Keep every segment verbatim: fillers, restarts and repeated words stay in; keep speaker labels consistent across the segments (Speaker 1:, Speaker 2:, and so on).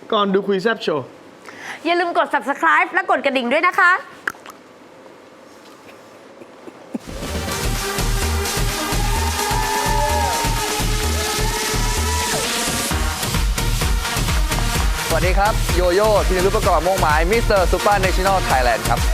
Speaker 1: ก่อนดูคุยแซบโชว์
Speaker 2: อย่าลืมกด ซับสไครบ์ และกดกระดิ่งด้วยนะคะ
Speaker 3: สวัสดีครับ โยโย่ธีรรุปประกอบม่วงไม้มิสเตอร์ซูเปอร์เนชั่นแนลไทยแลนด์ครับ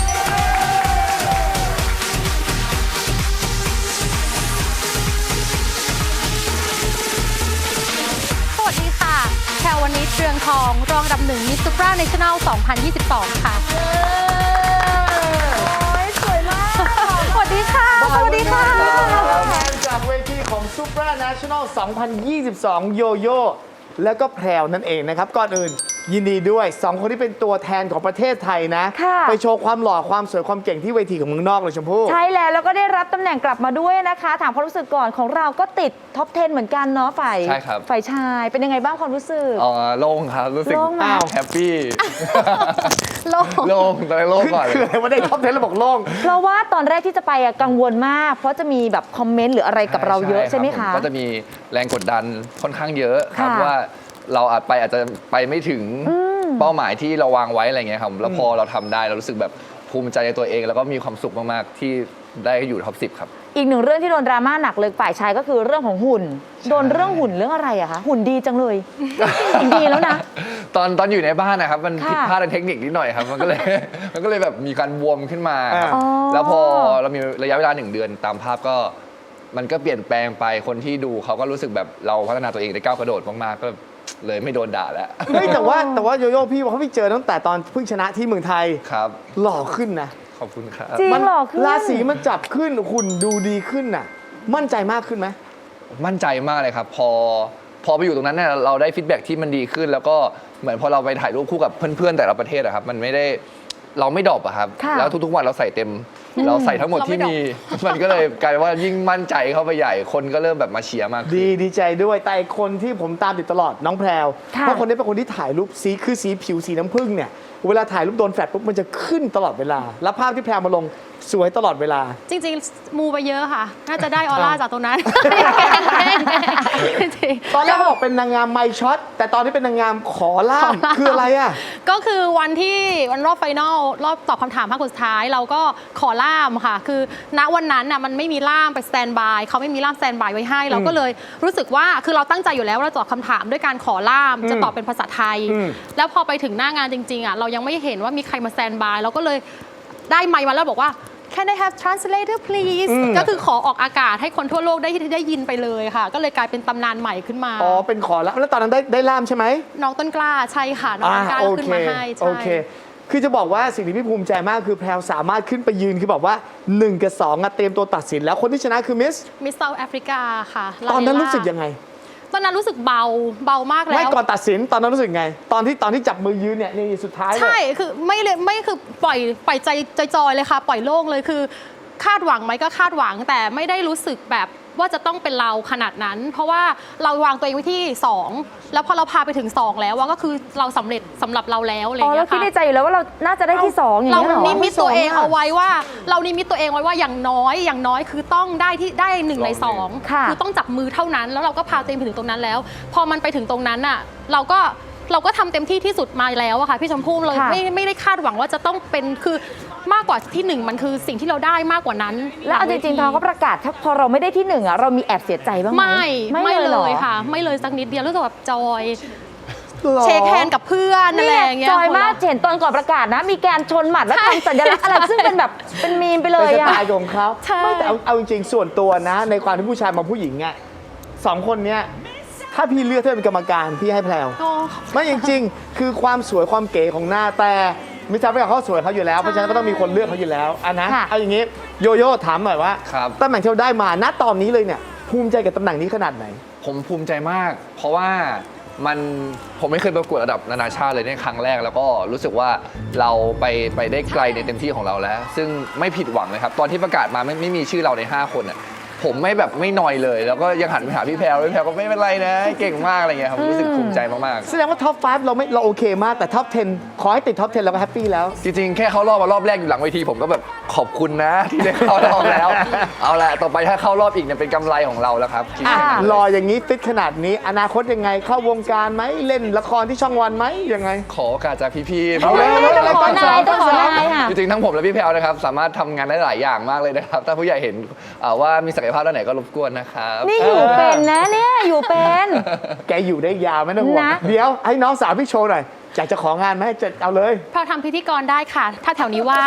Speaker 4: สวัสดีค่ะแพรวนิชเรืองทองรองอันดับหนึ่งมิสซูเปอร์เนชั่นแนลสองพันยี่สิบสองค่ะโอ้ยสวยมากสวัสดีค่ะสวัสดีค่ะ
Speaker 1: แทนจากเวทีของ Super National สองพันยี่สิบสอง โยโย่แล้วก็แพรวนั่นเองนะครับ ก่อนอื่นยินดีด้วยสองคนที่เป็นตัวแทนของประเทศไทยนะ ไปโชว์ความหล่อความสวยความเก่งที่เวทีของเมืองนอกเลยชมพู่
Speaker 2: ใช่แล้วแล้วก็ได้รับตำแหน่งกลับมาด้วยนะคะ ถามความรู้สึกก่อนของเราก็ติดท็อปสิบเหมือนกันเนาะฝ่าย
Speaker 3: ใช่ครับ
Speaker 2: ฝ่ายชายเป็นยังไงบ้างความรู้สึก
Speaker 3: อ๋อโล่งครับ รู้สึก
Speaker 2: โล่งไหม
Speaker 3: แฮปปี้
Speaker 4: โล่ง
Speaker 3: โล่งตอนแรกโล่งก่อนเล
Speaker 1: คือย อะไรว่าได้ท็อปสิบแล้วบอกโล่ง
Speaker 2: เพราะว่าตอนแรกที่จะไปอะกังวลมาก เพราะจะมีแบบคอมเมนต์หรืออะไรกับเราเยอะใช่ไหม
Speaker 3: รั
Speaker 2: คะ
Speaker 3: บก็จะมีแรงกดดันค่อนข้างเยอะครับ
Speaker 2: ค่ะ
Speaker 3: ว่าเราอาจไปอาจจะไปไม่ถึงเป้าหมายที่เราวางไว้อะไรเงี้ยครับแล้วพอเราทำได้เรารู้สึกแบบภูมิใจในตัวเอง แล้วก็มีความสุขมากๆที่ได้อยู่ท็อปสิบครับ
Speaker 2: อีกหนึ่งเรื่องที่โดนดราม่าหนักเลยฝ่ายชายก็คือเรื่องของหุ่น โดนเรื่องหุ่นเรื่องอะไรอะคะหุ่นดีจังเลย หุ่นดีแล้วนะ
Speaker 3: ตอนตอนอยู่ในบ้านนะครับมัน
Speaker 2: ค่ะ
Speaker 3: ผิดพลาดทางเทคนิคนิดหน่อยครับมันก็เลย มันก็เลยแบบมีการบวมขึ้นมาครับ
Speaker 2: อ๋อ
Speaker 3: แล้วพอเรามีระยะเวลาหนึ่งเดือนตามภาพก็มันก็เปลี่ยนแปลงไปคนที่ดูเขาก็รู้สึกแบบเราพัฒนาตัวเองได้ก้าวกระโดดมากๆก็เลยไม่โดนด่าแล้ว
Speaker 1: เฮ้ยแต่ว่าแต่ว่าโยโย่พี่ว่าเขาไปเจอตั้งแต่ตอนเพิ่งชนะที่เมืองไทย
Speaker 3: ครับ
Speaker 1: หล่อขึ้นนะ
Speaker 3: ขอบคุณครับ
Speaker 2: จริง
Speaker 1: มัน
Speaker 2: หล่อขึ้น
Speaker 1: ราศีมันจับขึ้นหุ่นดูดีขึ้นน่ะ มั่นใจมากขึ้นไหม
Speaker 3: มั่นใจมากเลยครับ พอพอไปอยู่ตรงนั้นเนี่ยเราได้ฟีดแบ็กที่มันดีขึ้น แล้วก็เหมือนพอเราไปถ่ายรูปคู่กับเพื่อนๆแต่ละประเทศอะครับมันไม่ได้เราไม่ดรอปอะครับ
Speaker 2: ค่ะ
Speaker 3: แล้วทุกๆวันเราใส่เต็ม เราใส่ทั้งหมดที่มี มันก็เลยกลายว่ายิ่งมั่นใจเข้าไปใหญ่คนก็เริ่มแบบมาเชียร์มากขึ้น
Speaker 1: ดีดีใจด้วยแต่อีกคนที่ผมตามติดตลอดน้องแพรว
Speaker 2: ค่ะ
Speaker 1: เพราะคนนี้เป็นคนที่ถ่ายรูปสีคือสีผิวสีน้ำผึ้งเนี่ยเวลาถ่ายรูปโดนแฟลชปุ๊บมันจะขึ้นตลอดเวลา แล้วภาพที่แพรวมาลงสวยตลอดเวลา
Speaker 4: จริงๆ มูไปเยอะค่ะ น่าจะได้ออร่าจากตรงนั้นจริง
Speaker 1: ตอนแรกเขาบอกเป็นนางงามไมค์ช็อตแต่ตอนนี้เป็นนางงามขอล่ามคืออะไรอ่ะ
Speaker 4: ก็คือวันที่วันรอบไฟนอลรอบตอบคำถามภาคสุดท้าย เราก็ขอล่ามค่ะ คือณวันนั้นน่ะมันไม่มีล่ามไปสแตนบายเขาไม่มีล่ามสแตนบายไว้ให้ เราก็เลยรู้สึกว่าคือเราตั้งใจอยู่แล้วว่าเราตอบคำถามด้วยการขอล่ามจะตอบเป็นภาษาไทย
Speaker 1: อืม
Speaker 4: แล้วพอไปถึงหน้างานจริงๆอ่ะเรายังไม่เห็นว่ามีใครมาสแตนบายเราก็เลยได้ไมค์มาแล้วบอกว่า Can I have translator please ก็คือขอออกอากาศให้คนทั่วโลกได้ได้ยินไปเลยค่ะ ก็เลยกลายเป็นตำนานใหม่ขึ้นมา
Speaker 1: อ๋อเป็นขอล่ามแล้วตอนนั้นได้ได้ล่ามใช่ไหม
Speaker 4: น้องต้นกล้าใช่ค่ะน้องต้นกล้า
Speaker 1: โอ
Speaker 4: ขึ้น
Speaker 1: เค
Speaker 4: มาให้
Speaker 1: โอ
Speaker 4: ใช่
Speaker 1: เค คือจะบอกว่าสิ่งที่พี่ภูมิใจมากคือแพรวสามารถขึ้นไปยืนคือแบบว่าหนึ่งกับสองอะเตรียมตัวตัดสินแล้วคนที่ชนะคือมิส
Speaker 4: มิสเซาท์แอฟริกาค่ะ
Speaker 1: ตอนนั้น
Speaker 4: ลาเลล่า
Speaker 1: รู้สึกยังไง
Speaker 4: ตอนนั้นรู้สึกเบาเบามากแล้ว
Speaker 1: ไม่ก่อนตัดสินตอนนั้นรู้สึกไง ตอนที่ตอนที่จับมือยืนเนี่ยนี่สุดท้ายเลย
Speaker 4: ใช่คือไม่เลยไม่คือปล่อยปล่อยใจจอยๆเลยค่ะ ปล่อยโล่งเลยคือคาดหวังไหมก็คาดหวังแต่ไม่ได้รู้สึกแบบว่าจะต้องเป็นเราขนาดนั้น เพราะว่าเราวางตัวเองไว้ที่สองแล้วพอเราพาไปถึงสองแล้วว่าก็คือเราสำเร็จสำหรับเราแล้วอะไรอ
Speaker 2: อ๋อย่าง เรา
Speaker 4: เงี้ย
Speaker 2: คิด
Speaker 4: ค่ะ
Speaker 2: ในใจอยู่แล้วว่าเราน่าจะได้ที่สองอย่าง
Speaker 4: เรา
Speaker 2: นี้ยเหรอ
Speaker 4: นิมิตตัวเองเอาไว้ว่า เรานิมิตตัวเองไว้ว่าอย่างน้อยอย่างน้อยคือต้องได้ที่ได้หนึ่งในสอง
Speaker 2: ค่ะ
Speaker 4: คือต้องจับมือเท่านั้น แล้วเราก็พาตัวเองไปถึงตรงนั้นแล้ว พอมันไปถึงตรงนั้นอ่ะเราก็เราก็ทำเต็มที่ที่สุดมาแล้วอะค่ะพี่ชมพู่เรา
Speaker 2: ค่ะ
Speaker 4: ไม่ไม่ได้คาดหวังว่าจะต้องเป็นคือมากกว่าที่หนึ่งมันคือสิ่งที่เราได้มากกว่านั้น
Speaker 2: แล้วเอาจริงๆตอนเขาประกาศถ้าพอเราไม่ได้ที่หนึ่งอะเรามีแอบเสียใจบ้างไหม
Speaker 4: ไม่ไม่
Speaker 2: หร
Speaker 4: เล
Speaker 2: อ
Speaker 4: ยค่ะ ไม่เลยสักนิดเดียวรู้สึกแบบจอย
Speaker 1: หรอ
Speaker 4: เชคแฮนด์กับเพื่อนอะไรอย่างเงี้ย
Speaker 2: จอยมากเห็นตอนก่อนประกาศนะ มีการชนหมัดและทำสัญลักษณ์อะไรซึ่งเป็นแบบเป็นมีมไปเล
Speaker 1: เป็น
Speaker 2: ย
Speaker 1: ส
Speaker 2: อะ
Speaker 1: ไตล์ของเขา
Speaker 4: ใช่
Speaker 1: ไม่แต่เอาเอาจริงๆส่วนตัวนะ ในความที่ผู้ชายมาผู้หญิงอ่ะสองคนเนี้ยถ้าพี่เลือกเธอเป็นกรรมการพี่ให้แพรว
Speaker 4: โอ้
Speaker 1: ไม่จริงๆ คือความสวยความเก๋ของหน้าแต่มิสเตอร์แพรวเขาสวยเขาอยู่แล้วเพราะฉะนั้นก็ต้องมีคนเลือกเขาอยู่แล้วอันนะ
Speaker 2: ค่ะ
Speaker 1: เอาอย่างนี้โยโย่ถามหน่อยว่า
Speaker 3: ครับ
Speaker 1: ตำแหน่งที่เราได้มาณตอนนี้เลยเนี่ยภูมิใจกับตำแหน่งนี้ขนาดไหน
Speaker 3: ผมภูมิใจมาก เพราะว่ามันผมไม่เคยประกวดระดับนานาชาติเลยในครั้งแรก แล้วก็รู้สึกว่าเราไปไปได้ไกลในเต็มที่ของเราแล้ว ซึ่งไม่ผิดหวังเลยครับ ตอนที่ประกาศมาไม่ไม่มีชื่อเราใน ห้า คนอ่ะผมไม่แบบไม่นอยเลย แล้วก็ยังหันไปหาพี่แพรวพี่แพรวก็ไม่เป็นไรนะเก่งมากอะไรเงี้ยครับรู้สึกภูมิใจมาก
Speaker 1: แสดงว่าท็อปไฟว์เราไม่เราโอเคมากแต่ท็อปสิบขอให้ติดท็อปสิบเราก็แฮปปี้แล้ว
Speaker 3: ๆ จริงๆ แค่เข้ารอบมารอบแรกอยู่หลังเวทีผมก็แบบขอบคุณนะที่ได้เข้ารอบแล้ว เอาละต่อไปถ้าเข้ารอบอีกเนี่ยเป็นกำไรของเราแล้วครับคิด
Speaker 1: อ่ะ
Speaker 3: แค่นั้น
Speaker 1: รออย่างนี้ฟิตขนาดนี้ อนาคตยังไงเข้าวงการไหมเล่นละครที่ช่องวันไหมยังไง
Speaker 3: ขอโอกาสจากพี่ๆ
Speaker 1: เอาเลย
Speaker 2: ต้องขอนายต้องขอนายค่ะ
Speaker 3: จริงๆทั้งผมและพี่แพรวนะครับสามารถทำงานได้หลายอย่างมากเลยนะครับถ้าผู้ใหญ่เห็นเอ่อว่ามีศักยภาพด้านไหนก็รบกวนนะครับ
Speaker 2: นี่อยู่เป็นนะเนี่ยอยู่เป็น
Speaker 1: แกอยู่ได้ยาวไม่ต้องห่วง
Speaker 2: นะ
Speaker 1: เดี๋ยวให้น้องสาวพี่โชว์หน่อยอยากจะของานไหมจะเอาเลย
Speaker 4: แพรวทำพิธีกรได้ค่ะ ถ้าแถวนี้ว่าง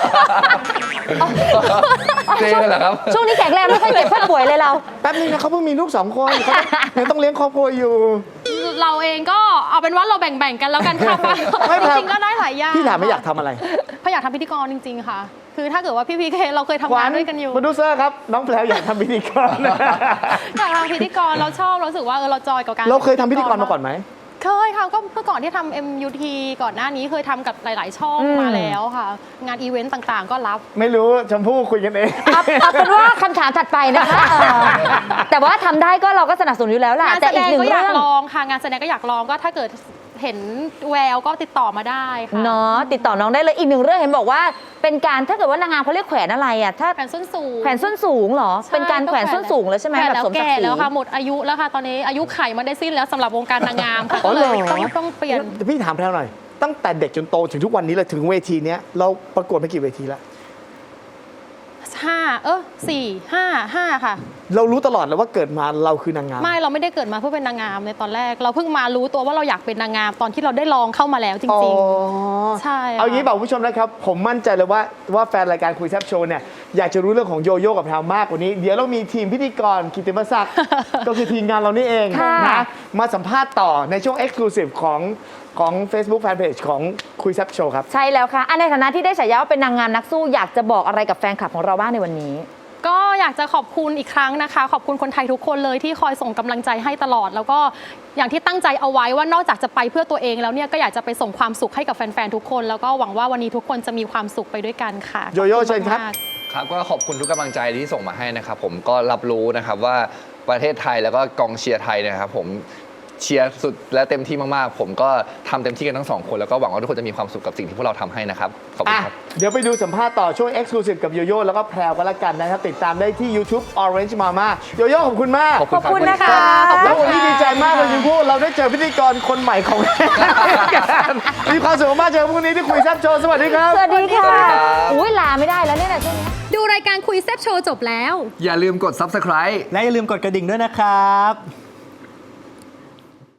Speaker 3: เจ๊กันเหรอครับ
Speaker 2: ช่วงนี้แข็งแรงไม่ค่อยเจ็บค่อยป่วยเลยเรา
Speaker 1: แป๊บนึงนะเขาเพิ่งมีลูกสองคนเขายังต้องเลี้ยงครอบครัวอยู่
Speaker 4: เราเองก็เอาเป็นว่าเราแบ่งๆกันแล้วกันค่ะ
Speaker 1: ไม่
Speaker 4: จ
Speaker 1: ครับ
Speaker 4: ริงๆก็ได้หลายอย่าง
Speaker 1: พี่ถามไม่อยากทำอะไร
Speaker 4: เพราะอยากทำพิธีกรจริง ๆ ค่ะ คือถ้าเกิดว่าพี่พีเคเราเคยทำงานด้วยกันอยู่
Speaker 1: โปรดิวเซอร์ครับ น้องแพรวอยากทำพิธีกร
Speaker 4: อยากทำพิธีกรเราชอบเรารู้สึกว่าเออเราจอยกับการ
Speaker 1: เราเคยทำพิธีกรมาก่อนไหม
Speaker 4: เคยค่ะก็เมื่อก่อนที่ทำ เอ็ม ยู ที ก่อนหน้านี้เคยทำกับหลาย ๆ ช่อง
Speaker 2: อืม
Speaker 4: มาแล้วค่ะ งานอีเวนต์ต่างๆ ก็รับ
Speaker 1: ไม่รู้ชมพู่คุยกันเอง
Speaker 2: เอาเอาเป็นว่าคำถามถัดไปนะคะเออแต่ว่าทำได้ก็เราก็สนับสนุนอยู่แล้วล่ะ
Speaker 4: งาน
Speaker 2: แต่
Speaker 4: แส
Speaker 2: อี
Speaker 4: ด
Speaker 2: ก
Speaker 4: ง
Speaker 2: หนึ่ง
Speaker 4: ก็อยาก
Speaker 2: เรื่อง
Speaker 4: ลองค่ะงานแสดงก็อยากลองก็ถ้าเกิดเห็นแววก็ติดต่อมาได้ค่ะ
Speaker 2: เนาะติดต่อน้องได้เลยอีกหนึ่งเรื่องเห็นบอกว่า เป็นการถ้าเกิดว่านางงามเขาเรียกแขวนอะไรอ่ะถ้า
Speaker 4: แขวนส้นสูง
Speaker 2: แขวนส้นสูงเหรอ เป็นการแขวนส้นสูงแล้วใช่ไหม
Speaker 4: แขวน
Speaker 2: แบบ
Speaker 4: แล้ว
Speaker 2: สมศัก
Speaker 4: แก่
Speaker 2: ดิ์ศรี
Speaker 4: แล้วค่ะหมดอายุแล้วค่ะตอนนี้อายุไขมันได้สิ้นแล้วสำหรับวงการนางงามค่ะ
Speaker 1: อ๋อ
Speaker 4: ก็
Speaker 1: เห
Speaker 4: เล
Speaker 1: รอ
Speaker 4: ยต้องต้องเปลี่ยน
Speaker 1: พี่ถามแพรวหน่อย ตั้งแต่เด็กจนโตถึงทุกวันนี้เลยถึงเวทีเนี้ยเราประกวดมากี่เวทีแล้ว
Speaker 4: ห้าเออสี่ห้าห้าค่ะ
Speaker 1: เรารู้ตลอดเลยว่าเกิดมาเราคือนางงาม
Speaker 4: ไม่เราไม่ได้เกิดมาเพื่อเป็นนางงามในตอนแรก เราเพิ่งมารู้ตัวว่าเราอยากเป็นนางงามตอนที่เราได้ลองเข้ามาแล้วจ
Speaker 1: อ๋อ
Speaker 4: ริง ๆ ใช่ค่ะ
Speaker 1: เอางี้บอกคุณผู้ชมนะครับ ผมมั่นใจเลยว่าว่าแฟนรายการคุยแซบโชว์เนี่ยอยากจะรู้เรื่องของโยโย่กับแพรวมากกว่านี้ เดี๋ยวเรามีทีมพิธีกรกิตติมศักดิ์ ก็คือทีมงานเรานี่เอง
Speaker 2: ค่ะ
Speaker 1: นะมาสัมภาษณ์ต่อในช่วง Exclusive ของของ Facebook Fanpage ของคุยแซบโชว์ครับ
Speaker 2: ใช่แล้วค่ะอันในฐานะที่ได้ฉายาว่าเป็นนางงามนักสู้อยากจะบอกอะไรกับแฟนคลับของเราบ้างในวันนี้
Speaker 4: ก็อยากจะขอบคุณอีกครั้งนะคะ ขอบคุณคนไทยทุกคนเลยที่คอยส่งกำลังใจให้ตลอด แล้วก็อย่างที่ตั้งใจเอาไว้ว่านอกจากจะไปเพื่อตัวเองแล้วเนี่ยก็อยากจะไปส่งความสุขให้กับแฟนๆทุกคน แล้วก็หวังว่าวันนี้ทุกคนจะมีความสุขไปด้วยกันค่ะ
Speaker 1: โยโย่
Speaker 4: ขอณ
Speaker 1: เชิญครับ
Speaker 4: มาก
Speaker 3: ครับก็ขอบคุณทุกกำลังใจที่ส่งมาให้นะครับผมก็รับรู้นะครับว่าประเทศไทยแล้วก็กองเชียร์ไทยเนยนะครับผมเชียร์สุดและเต็มที่มากๆ ผมก็ทำเต็มที่กันทั้งสองคนแล้วก็หวังว่าทุกคนจะมีความสุขกับสิ่งที่พวกเราทำให้นะครับขอบคุณ
Speaker 1: อ่ะ
Speaker 3: ครับ
Speaker 1: เดี๋ยวไปดูสัมภาษณ์ต่อช่วง Exclusive กับโยโย่แล้วก็แพรวกันละกันนะครับ ติดตามได้ที่ YouTube Orange Mama โยโย่ขอบคุณมาก
Speaker 3: ขอบ
Speaker 2: ขอบคุณนะคะ
Speaker 1: แล้ววันนี้ดีใจมากเลยคุณพูดเราได้เจอพิธีกรคนใหม่ของรายการมีความสุขมากเจอพรุ่งนี้ที่คุยแซบโชว์สวัสดีครับ
Speaker 2: สวัสดีค่ะ
Speaker 3: สวัสดีครับ
Speaker 2: อุ้ยลาไม่ได้แล้วเนี่ยนะช่วงนี้
Speaker 4: ดูรายการคุยแซบโชว์จบแล้ว
Speaker 3: อย่าลืมกด ซับสไครบ์
Speaker 5: และอย่าลืมกดกระดิ่งด้วยนะครับ